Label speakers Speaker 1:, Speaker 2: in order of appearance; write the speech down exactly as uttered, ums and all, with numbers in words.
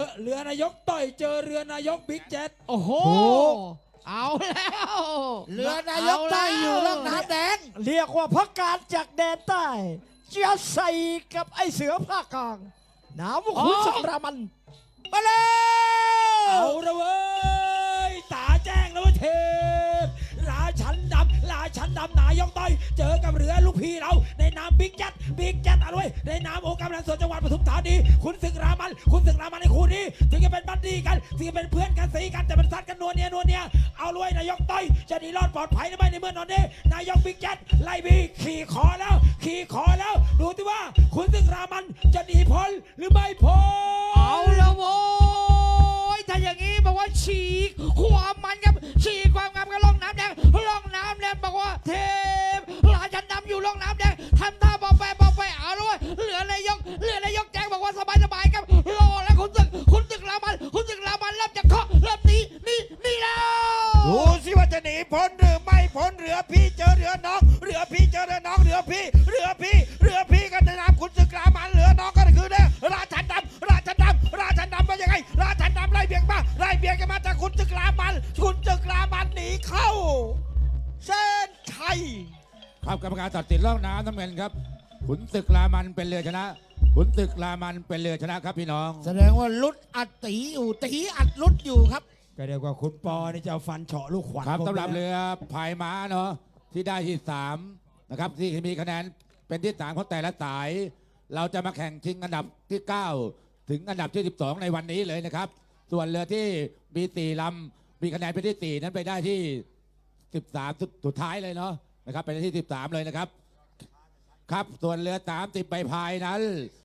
Speaker 1: เรือนายกต่อยเจอเรือนายกบิ๊กแจ๊ด
Speaker 2: โอ้โห เอาแล้ว
Speaker 3: เรือนายกใต้อยู่ล่องน้ำแดง
Speaker 4: เรียกว่าพักการจากแดนใต้จะใส่กับไอเสือภาคกลางน้ำขุนสรามัน
Speaker 3: มาเลย
Speaker 1: เอาละเว้ยตาแจ้งแล้วเว้ยเทพราชันดำราชันดำนายกต่อยเจอกับเรือลูกพี่เราในนามบิ๊กแจ๊ดบิ๊กแจ๊ดเอาด้วยในนามองค์การบริหารส่วนจังหวัดปทุมธานีคุณศึกรามันคุณศึกรามันในคู่นี้ถึงจะเป็นบัดดี้กันถึงจะเป็นเพื่อนกันสีกันแต่มันซัดกันนัวเนียนัวเนียเอาด้วยนายกต่อยจะหนีรอดปลอดภัยหรือไม่ในเมื่อนอนนี้นายกบิ๊กแจ๊ดไล่บีขี่คอแล้วขี่คอแล้วดูที่ว่าคุณศึกรามันจะหนีพ้นหรือไม่พ้น
Speaker 2: เอาแล้วโว้ยถ้าอย่างนี้บอกว่าฉีกความมันครับฉีกความงามกับล่องน้ำแดงล่องน้ำแดงบอกว่าเทพราชันดำอยู่ล่องน้ำแดงทำท่าบอกไปบอกไปเอาด้วยเหลือนายกเหลือนายกแจ้งบอกว่าสบายสบายครับรอแล้วคุณศึกคุณศึกรามันคุณศึกรามันเริ่มจะเคาะเริ่มหนีหนีหนีแล้ว
Speaker 3: ดูสิว่าจะหนีพ้นหรือไม่พ้นเรือพี่เจอเรือน้องเรือพี่เจอเรือน้องเรือพี่เรือพี่เรือพี่กันในนามคุณศึกรามันเรือน้องก็คือเนี่ยราชันดำราชันดำราชันดำว่ายังไงราชันดำไล่เบียงมาไล่เบียงกันมาจากคุณศึกรามันคุณศึกรามันหนีเข้าเส้นชัย
Speaker 5: ครับกรรมการตัดสินล่องน้ำน้ำเงินครับขุนศึกรามันเป็นเรือชนะขุนศึกรามันเป็นเรือชนะครับพี่น้อง
Speaker 3: แสดงว่าลุดอัดตีอยู่ตีอัดลุดอยู่ครับ
Speaker 1: ก็เรียกว่าคุณปอนี่จะเอาฟันเฉาะลูกขวัญ
Speaker 5: ครับ
Speaker 1: ผม
Speaker 5: สำหรับ
Speaker 1: นะ
Speaker 5: เรือพายม้าเนาะที่ได้ที่สามนะครับที่มีคะแนนเป็นที่สามของแต่ละสาย เราจะมาแข่งชิงอันดับที่เก้าถึงอันดับที่สิบสองในวันนี้เลยนะครับ ส่วนเรือที่มีสี่ลำมีคะแนนเป็นที่สี่นั้นไปได้ที่สิบสามสุดท้ายเลยเนาะนะครับไปได้ที่สิบสามเลยนะครับ ครับส่วนเรือสามสิบใบพายนั้น